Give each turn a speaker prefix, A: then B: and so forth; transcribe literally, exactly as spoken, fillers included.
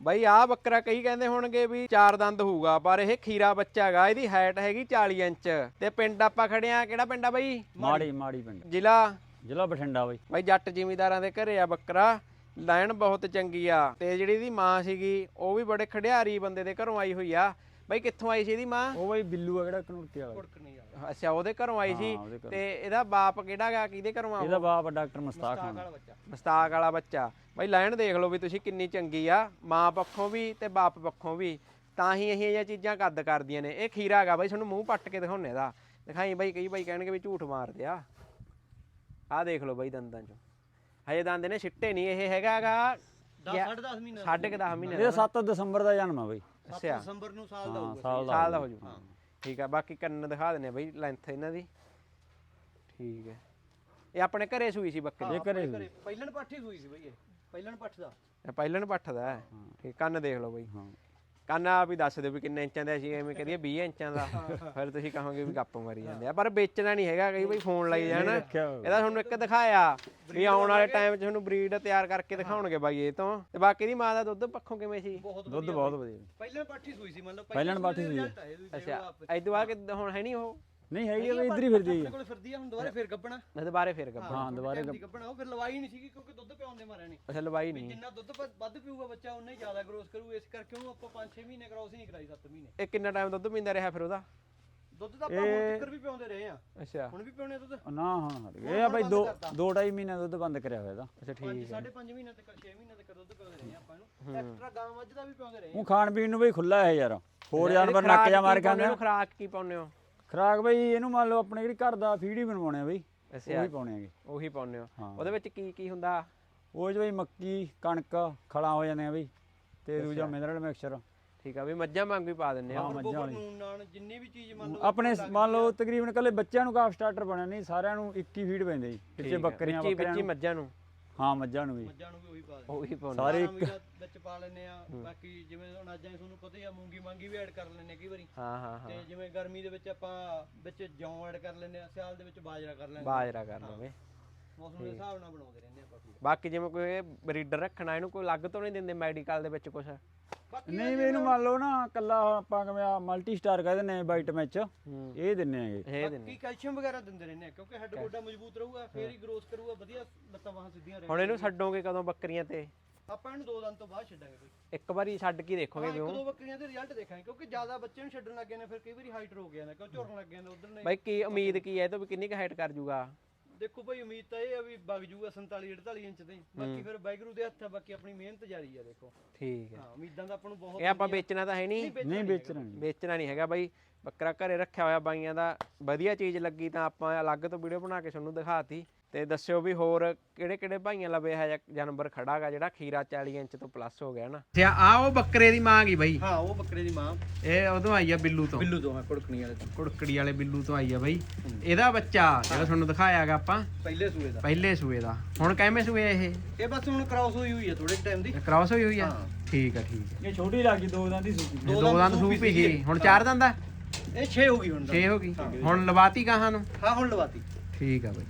A: ਬਾਈ ਆ ਬੱਕਰਾ ਕਈ ਕਹਿੰਦੇ ਹੋਣਗੇ ਵੀ ਚਾਰ ਦੰਦ ਹੋਊਗਾ, ਪਰ ਇਹ ਖੀਰਾ ਬੱਚਾ ਹੈਗਾ। ਇਹਦੀ ਹਾਈਟ ਹੈਗੀ ਚਾਲੀ ਇੰਚ ਤੇ ਪਿੰਡ ਆਪਾਂ ਖੜੇ ਆ, ਕਿਹੜਾ ਪਿੰਡ ਆ ਬਾਈ?
B: ਮਾੜੀ ਮਾੜੀ ਪਿੰਡ,
A: ਜ਼ਿਲ੍ਹਾ
B: ਜ਼ਿਲ੍ਹਾ ਬਠਿੰਡਾ ਬਾਈ।
A: ਬਾਈ ਜੱਟ ਜ਼ਿਮੀਂਦਾਰਾਂ ਦੇ ਘਰੇ ਆ ਬੱਕਰਾ, ਲਾਈਨ ਬਹੁਤ ਚੰਗੀ ਆ। ਤੇ ਜਿਹੜੀ ਇਹਦੀ ਮਾਂ ਸੀਗੀ ਉਹ ਵੀ ਬੜੇ ਖੜਿਆਰੀ ਬੰਦੇ ਦੇ ਘਰੋਂ ਆਈ ਹੋਈ ਆ। ਬਾਈ ਕਿੱਥੋਂ ਆਈ ਸੀ ਇਹਦੀ ਮਾਂ?
B: ਉਹ ਬਾਈ ਬਿੱਲੂ ਆ, ਕਿਹੜਾ ਕਨੂਰਕੇ ਵਾਲਾ।
A: ਅੱਛਾ, ਉਹਦੇ ਘਰੋਂ ਆਈ ਸੀ। ਤੇ ਇਹਦਾ ਬਾਪ ਕਿਹੜਾ ਗਾ, ਕਿਹਦੇ ਘਰੋਂ ਆ?
B: ਇਹਦਾ ਬਾਪ ਡਾਕਟਰ ਮੁਸਤਾਕ ਖਾਨ,
A: ਮੁਸਤਾਕ ਵਾਲਾ ਬੱਚਾ। ਬਾਈ ਲਾਈਨ ਦੇਖ ਲਓ ਵੀ ਤੁਸੀਂ ਕਿੰਨੀ ਚੰਗੀ ਆ, ਮਾਂ ਪੱਖੋਂ ਵੀ ਤੇ ਬਾਪ ਪੱਖੋਂ ਵੀ। ਤਾਂ ਹੀ ਇਹ ਜਿਹੀਆਂ ਚੀਜ਼ਾਂ ਕੱਦ ਕਰਦੀਆਂ ਨੇ। ਇਹ ਖੀਰਾ ਹੈਗਾ ਬਾਈ, ਤੁਹਾਨੂੰ ਮੂੰਹ ਪੱਟ ਕੇ ਦਿਖਾਉਣੇ ਦਾ। ਦਿਖਾਈ ਬਾਈ, ਕਈ ਬਾਈ ਕਹਿਣਗੇ ਵੀ ਝੂਠ ਮਾਰਦੇ ਆ। ਆਹ ਦੇਖ ਲਓ ਬਾਈ ਦੰਦਾਂ ਚੋਂ ਹਜੇ ਦੰਦ ਨੇ ਸਿੱਟੇ ਨਹੀਂ। ਇਹ ਹੈਗਾ ਗਾ ਸਾਢੇ ਦਸ ਮਹੀਨੇ ਸਾਢੇ ਕੁ ਦਸ ਮਹੀਨੇ
B: ਇਹ ਸੱਤ ਦਸੰਬਰ ਦਾ ਜਨਮ ਆ ਬਾਈ।
A: ਅੱਛਾ,
C: ਦਸੰਬਰ ਨੂੰ ਸਾਲ ਦਾ ਹੋਊਗਾ,
B: ਸਾਲ
A: ਸਾਲ ਦਾ ਹੋ ਜੂ। ਠੀਕ ਆ, ਬਾਕੀ ਕੰਨ ਦਿਖਾ ਦਿੰਨੇ ਬਾਈ, ਲੈਂਥ ਇਹਨਾਂ ਦੀ ਠੀਕ ਹੈ। ਇਹ ਆਪਣੇ ਘਰੇ ਸੂਈ ਸੀ ਬੱਕਰੀ?
B: ਇਹ ਘਰੇ ਹੋਈ।
C: ਪਹਿਲਣ ਪੱਠ ਹੀ ਸੂਈ ਸੀ ਬਾਈ, ਇਹ ਪਹਿਲਣ ਪੱਠ ਦਾ।
A: ਇਹ ਪਹਿਲਣ ਪੱਠ ਦਾ ਹੈ। ਠੀਕ, ਕੰਨ ਦੇਖ ਲਓ ਬਾਈ। ਕੰਨ ਆਪ ਹੀ ਦੱਸ ਦਿਓ ਵੀ ਕਿੰਨੇ ਇੰਚਾਂ ਦਾ ਸੀ। ਐਵੇਂ ਕਰੀਏ ਵੀਹ ਇੰਚਾਂ ਦਾ, ਫਿਰ ਤੁਸੀਂ ਕਹੋਗੇ ਵੀ ਗੱਪ ਮਾਰੀ ਜਾਂਦੇ ਆ। ਪਰ ਵੇਚਣਾ ਨਹੀਂ ਹੈਗਾ, ਕਈ ਬਈ ਫੋਨ ਲਾਈ ਜਾਣ। ਇਹਦਾ ਤੁਹਾਨੂੰ ਇੱਕ ਦਿਖਾਇਆ ਵੀ ਆਉਣ ਵਾਲੇ ਟਾਈਮ 'ਚ ਤੁਹਾਨੂੰ ਬਰੀਡ ਤਿਆਰ ਕਰਕੇ ਦਿਖਾਉਣਗੇ ਬਾਈ ਇਹ ਤੋਂ। ਤੇ ਬਾਕੀ ਦੀ ਮਾਂ ਦਾ ਦੁੱਧ ਪੱਖੋਂ ਕਿਵੇਂ ਸੀ?
B: ਦੁੱਧ ਬਹੁਤ ਵਧੀਆ।
C: ਪਹਿਲਣ ਪੱਠ ਹੀ ਸੂਈ ਸੀ, ਮਤਲਬ
B: ਪਹਿਲਣ ਪੱਠ ਹੀ ਸੂਈ।
A: ਅੱਛਾ, ਇਦੋਂ ਬਾਅਦ ਕਿ ਹੁਣ ਹੈ ਨਹੀਂ ਉਹ?
B: ਨਹੀਂ ਹੈਗੀ ਬਈ, ਇੱਧਰ ਹੀ ਫਿਰਦੀ
C: ਆਪਣੇ ਕੋਲ ਫਿਰਦੀ ਆ। ਹੁਣ ਦੁਬਾਰੇ ਫੇਰ ਗੱਬਣਾ,
A: ਦੁਬਾਰੇ ਫੇਰ ਗੱਬਣਾ।
B: ਹਾਂ ਦੁਬਾਰੇ
C: ਗੱਬਣਾ। ਉਹ ਫਿਰ ਲਵਾਈ ਨਹੀਂ ਸੀਗੀ ਕਿਉਂਕਿ ਦੁੱਧ ਪਿਆਉਣ ਦੇ ਮਾਰਿਆ ਨਹੀਂ।
A: ਅੱਛਾ, ਲਵਾਈ ਨਹੀਂ।
C: ਜਿੰਨਾ ਦੁੱਧ ਵੱਧ ਪੀਊਗਾ ਬੱਚਾ ਉਨਾ ਹੀ ਜ਼ਿਆਦਾ ਗਰੋਥ ਕਰੂ। ਇਸ ਕਰਕੇ ਉਹਨੂੰ ਆਪਾਂ ਪੰਜ ਛੇ ਮਹੀਨੇ ਕਰਾਉਸ ਹੀ ਨਹੀਂ ਕਰਾਈ, ਸੱਤ ਮਹੀਨੇ।
A: ਇਹ ਕਿੰਨਾ ਟਾਈਮ ਦੁੱਧ ਪੀਂਦਾ ਰਿਹਾ ਫਿਰ ਉਹਦਾ?
C: ਦੁੱਧ ਤਾਂ ਆਪਾਂ ਹੁਣ ਤੱਕ ਵੀ ਪਿਆਉਂਦੇ ਰਹੇ ਆ।
A: ਅੱਛਾ,
C: ਹੁਣ ਵੀ ਪਿਆਉਣੇ ਦੁੱਧ?
B: ਨਾ ਹਾਂ ਇਹ ਆ ਬਾਈ ਦੋ ਦੋ ਢਾਈ ਮਹੀਨੇ ਦੁੱਧ ਬੰਦ ਕਰਿਆ ਹੋਇਆ ਇਹਦਾ।
A: ਅੱਛਾ ਠੀਕ ਹੈ।
C: ਸਾਢੇ ਪੰਜ ਮਹੀਨੇ ਤੱਕ ਛੇ ਮਹੀਨੇ ਤੱਕ ਦੁੱਧ ਪਿਆਉਂਦੇ ਰਹੇ ਆਪਾਂ ਇਹਨੂੰ। ਐਕਸਟਰਾ ਗਾਂ ਮੱਝ ਦਾ ਵੀ ਪਿਆਉਂਦੇ ਰਹੇ।
B: ਉਹ ਖਾਣ ਪੀਣ ਨੂੰ ਬਈ ਖੁੱਲਾ ਹੈ ਯਾਰ, ਹੋਰ ਜਾਨਵਰ ਨੱਕ ਜਾ ਮਾਰ ਕੇ ਆਉਂਦੇ ਆ।
A: ਖੁਰਾਕ ਕੀ ਪਾਉਂਦੇ ਹੋ?
B: ਖਰਾਕ ਬਈ ਇਹਨੂੰ ਮੰਨ ਲਓ ਆਪਣੇ ਜਿਹੜੀ ਘਰ ਦਾ ਫੀਡ ਹੀ ਬਣਵਾਉਣੇ ਆ ਬਈ, ਉਹੀ ਪਾਉਣੇ ਆਗੇ।
A: ਉਹੀ ਪਾਉਂਦੇ ਹੋ? ਉਹਦੇ ਵਿੱਚ ਕੀ ਕੀ ਹੁੰਦਾ?
B: ਉਹ ਚ ਬਈ ਮੱਕੀ ਕਣਕ ਖਲਾਂ ਹੋ ਜਾਂਦੇ ਆ ਬਈ, ਤੇ ਦੂਜਾ ਮਿਨਰਲ ਮਿਕਸਚਰ।
A: ਠੀਕ ਆ ਵੀ ਮੱਝਾਂ ਵਾਂਗ ਵੀ ਪਾ ਦਿੰਦੇ ਆ?
B: ਹਾਂ ਮੱਝਾਂ ਵਾਲੀ।
C: ਨੂਨ ਨਾਨ ਜਿੰਨੀ ਵੀ ਚੀਜ਼ ਮੰਨ ਲਓ
B: ਆਪਣੇ ਮੰਨ ਲਓ ਤਕਰੀਬਨ ਕੱਲੇ ਬੱਚਿਆਂ ਨੂੰ ਕਾਫ ਸਟਾਰਟਰ ਬਣਿਆ ਨਹੀਂ, ਸਾਰਿਆਂ ਨੂੰ ਇੱਕ ਹੀ ਫੀਡ ਪੈਂਦੇ ਜੀ। ਪਿੱਛੇ ਬੱਕਰੀਆਂ
A: ਬੱਕਰੀਆਂ ਨੂੰ, ਮੱਝਾਂ ਨੂੰ।
B: ਹਾਂ ਮੱਝਾਂ ਨੂੰ ਵੀ,
C: ਮੱਝਾਂ ਨੂੰ ਵੀ ਉਹੀ ਪਾ ਦਿੰਦੇ।
A: ਉਹੀ ਪਾਉਂਦੇ
B: ਸਾਰੇ ਇੱਕ
C: ਵਿੱਚ ਪਾ ਲੈਂਦੇ ਆ। ਬਾਕੀ ਜਿਵੇਂ ਹੁਣ ਅੱਜ ਤੁਹਾਨੂੰ ਪਤਾ ਹੀ ਆ, ਮੂੰਗੀ ਮਾਂਗੀ ਵੀ ਐਡ ਕਰ ਲੈਂਦੇ ਕਈ ਵਾਰੀ।
A: ਹਾਂ ਹਾਂ ਹਾਂ।
C: ਤੇ ਜਿਵੇਂ ਗਰਮੀ ਦੇ ਵਿੱਚ ਆਪਾਂ ਵਿੱਚ ਜੌਂ ਐਡ ਕਰ ਲੈਂਦੇ ਆ, ਸਿਆਲ ਦੇ ਵਿੱਚ ਬਾਜਰਾ ਕਰ ਲੈਂਦੇ।
A: ਬਾਜਰਾ ਕਰ ਲਵੇ।
C: ਮੌਸਮ ਦੇ ਹਿਸਾਬ ਨਾਲ ਬਣਾਉਂਦੇ ਰਹਿੰਦੇ ਆਪਾਂ।
A: ਬਾਕੀ ਜਿਵੇਂ ਕੋਈ ਬਰੀਡਰ ਰੱਖਣਾ, ਇਹਨੂੰ ਕੋਈ ਅਲੱਗ ਤੋਂ ਨਹੀਂ ਦਿੰਦੇ ਮੈਡੀਕਲ ਦੇ ਵਿੱਚ ਕੁਝ?
B: ਨਹੀਂ ਵੀ ਇਹਨੂੰ ਮੰਨ ਲਓ ਨਾ ਕੱਲਾ ਆਪਾਂ ਕਿਵੇਂ ਆ ਮਲਟੀ ਸਟਾਰ ਕਹਿੰਦੇ ਨੇ ਵਾਈਟ ਮੈਚ, ਇਹ ਦਿੰਨੇ ਆਗੇ।
A: ਇਹ ਦਿੰਦੇ
C: ਬਾਕੀ ਕੈਲਸ਼ੀਅਮ ਵਗੈਰਾ ਦਿੰਦੇ ਰਹਿੰਦੇ ਆ, ਕਿਉਂਕਿ ਹੱਡ ਗੋਡਾ ਮਜ਼ਬੂਤ ਰਹੂਗਾ, ਫੇਰ ਹੀ ਗਰੋਥ ਕਰੂਗਾ ਵਧੀਆ, ਲੱਤਾਂ ਬਾਹਾਂ ਸਿੱਧੀਆਂ ਰਹਿਣਗੀਆਂ।
A: ਹੁਣ ਇਹਨੂੰ ਛੱਡੋਗੇ ਕਦੋਂ ਬੱਕਰੀਆਂ ਤੇ?
C: ਆਪਾਂ ਇਹਨੂੰ ਦੋ ਦਿਨ ਤੋਂ ਬਾਅਦ ਛੱਡਾਂਗੇ ਕੋਈ।
A: ਇੱਕ ਵਾਰੀ ਛੱਡ ਕੇ ਦੇਖੋਗੇ ਵੀ
C: ਇੱਕ
A: ਉਹ?
C: ਦੋ ਬੱਕਰੀਆਂ ਦੇ ਰਿਜ਼ਲਟ ਦੇਖਾਂਗੇ, ਕਿਉਂਕਿ ਜ਼ਿਆਦਾ ਬੱਚੇ ਨੂੰ ਛੱਡਣ ਲੱਗੇ ਨੇ ਫਿਰ ਕਈ ਵਾਰੀ ਹਾਈਟ ਰੋ ਗਿਆ ਨੇ, ਕਿਉਂ ਝੁਰਨ ਲੱਗ ਜਾਂਦੇ ਉਧਰ ਨੇ।
A: ਬਾਈ ਕੀ ਉਮੀਦ ਕੀ ਹੈ ਇਹ ਤੋਂ ਵੀ ਕਿੰਨੀ ਕੁ ਹਾਈਟ ਕਰ ਜੂਗਾ?
C: ਦੇਖੋ ਭਾਈ ਉਮੀਦ ਤਾਂ ਇਹ ਆ ਵੀ ਵਗ ਜੂਗਾ ਸੰਤਾਲੀ ਅੜਤਾਲੀ ਇੰਚ ਤੇ। ਬਾਕੀ ਫਿਰ ਵਾਹਿਗੁਰੂ ਦੇ ਹੱਥ ਆ, ਬਾਕੀ ਆਪਣੀ ਮਿਹਨਤ ਜਾਰੀ ਆ। ਦੇਖੋ
A: ਠੀਕ ਹੈ।
C: ਹਾਂ ਉਮੀਦਾਂ ਤਾਂ ਆਪਾਂ ਨੂੰ ਬਹੁਤ।
A: ਇਹ ਆਪਾਂ ਵੇਚਣਾ ਤਾਂ ਹੈ ਨਹੀਂ?
B: ਨਹੀਂ ਵੇਚਣਾ ਨਹੀਂ,
A: ਵੇਚਣਾ ਨਹੀਂ ਹੈਗਾ ਬਾਈ। ਬੱਕਰਾ ਘਰੇ ਰੱਖਿਆ ਹੋਇਆ ਬਾਈਆਂ ਦਾ, ਵਧੀਆ ਚੀਜ਼ ਲੱਗੀ ਤਾਂ ਆਪਾਂ ਅਲੱਗ ਤੋਂ ਵੀਡੀਓ ਬਣਾ ਕੇ ਤੁਹਾਨੂੰ ਦਿਖਾਤੀ। ਤੇ ਦੱਸਿਓ ਵੀ ਹੋਰ ਕਿਹੜੇ ਕਿਹੜੇ ਭਾਈਆਂ ਲਵੇ ਹੈ ਜਾਨਵਰ ਖੜਾਗਾ ਜਿਹੜਾ ਖੀਰਾ ਚਾਲੀ ਇੰਚ ਤੋਂ ਪਲੱਸ ਹੋ ਗਿਆ ਨਾ। ਅੱਛਾ, ਆ ਉਹ ਬੱਕਰੇ ਦੀ ਮਾਂ ਗਈ ਬਾਈ?
C: ਹਾਂ ਉਹ ਬੱਕਰੇ ਦੀ ਮਾਂ।
A: ਇਹ ਉਦੋਂ ਆਈ ਆ ਬਿੱਲੂ ਤੋਂ?
C: ਬਿੱਲੂ ਤੋਂ, ਹਾਂ ਕੁੜਕਣੀ ਵਾਲੇ ਤੋਂ।
A: ਕੁੜਕੜੀ ਵਾਲੇ ਬਿੱਲੂ ਤੋਂ ਆਈ ਆ ਬਾਈ। ਇਹਦਾ ਬੱਚਾ ਜਿਹੜਾ ਤੁਹਾਨੂੰ ਦਿਖਾਇਆਗਾ ਆਪਾਂ
C: ਪਹਿਲੇ ਸੂਏ ਦਾ। ਪਹਿਲੇ
A: ਸੂਏ ਦਾ। ਹੁਣ ਕਿਵੇਂ ਸੂਏ ਇਹ?
C: ਇਹ ਬਸ ਹੁਣ ਕ੍ਰਾਸ ਹੋਈ ਹੋਈ ਆ ਥੋੜੇ ਟਾਈਮ ਦੀ।
A: ਕ੍ਰਾਸ ਹੋਈ ਹੋਈ ਆ? ਠੀਕ ਆ ਠੀਕ ਆ।
B: ਇਹ ਛੋਟੀ ਲੱਗੀ ਦੋ ਦੰਦ ਦੀ ਸੂਪੀ।
A: ਦੋ ਦੰਦ ਸੂਪ ਹੀ ਗਈ, ਹੁਣ ਚਾਰ ਦੰਦ ਆ?
C: ਇਹ ਛੇ ਹੋ ਗਈ ਹੁਣ।
A: ਛੇ ਹੋ ਗਈ। ਹੁਣ ਲਵਾਤੀ ਗਾਹਾਂ ਨੂੰ?
C: ਹਾਂ ਹੁਣ ਲਵਾਤੀ।
A: ਠੀਕ ਆ ਬਾਈ।